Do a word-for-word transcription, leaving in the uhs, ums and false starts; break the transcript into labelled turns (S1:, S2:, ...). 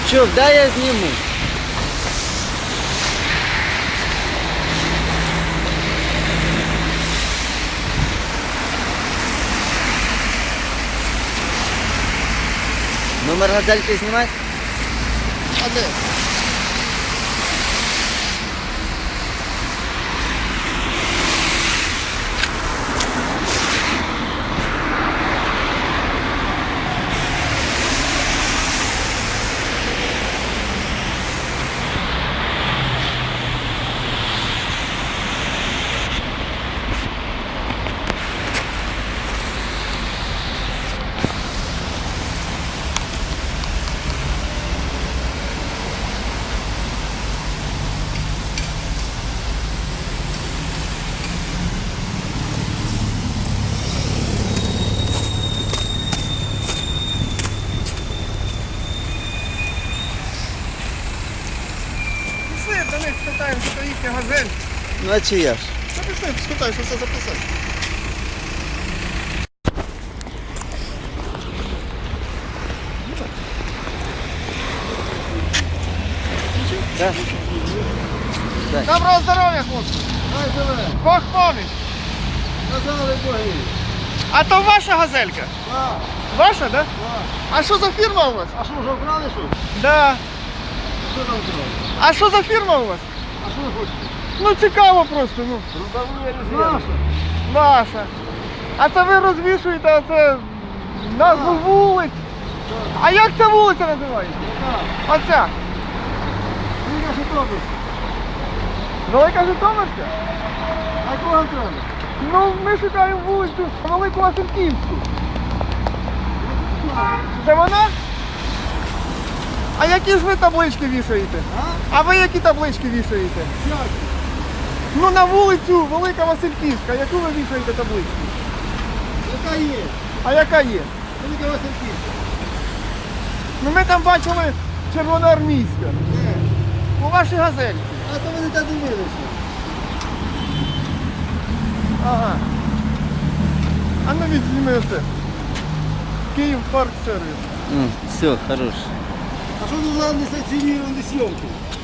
S1: Чув, дай я зніму. Номер газельки знімати?
S2: А де? Пішли, до них спитаємо, що їхня газель.
S1: Ну а чи я ж?
S2: Та пішли, спитай, що це записати.
S1: Так. Так.
S2: Доброго здоров'я, хлопці!
S3: Ай, живе,
S2: Бог поміч!
S3: казали боги.
S2: А то ваша газелька?
S3: Так,
S2: Ваша, да?
S3: так.
S2: А що за фірма у вас?
S3: А що, вже вкрали щось?
S2: Да.
S3: Що там вкрали?
S2: А що за фірма у вас?
S3: А що ви хочете?
S2: Ну цікаво просто, ну.
S3: Наша.
S2: Ваша. А це ви розвішуєте оце назву вулиць. А як ця вулиця називається?
S3: Так.
S2: Оця.
S3: Віка Житомир.
S2: Велика Житомирська?
S3: А кого вам треба?
S2: Ну, ми шукаємо вулицю Велику Васильківську. Це вона? А які ж ви таблички вішаєте?
S3: А?
S2: А ви які таблички вішаєте?
S3: Як?
S2: Ну на вулицю Велика Васильківська, яку ви вішаєте табличку?
S3: Яка є?
S2: А яка є?
S3: Велика Васильківська.
S2: Ну ми там бачили червоноармійська.
S3: Де?
S2: У вашій газельці.
S3: А то вони так дивилися.
S2: Ага. А ну відзніми оце. Київ парк сервіс.
S1: М, все, хорош.
S3: А що тут за несанкціоновані зйомки?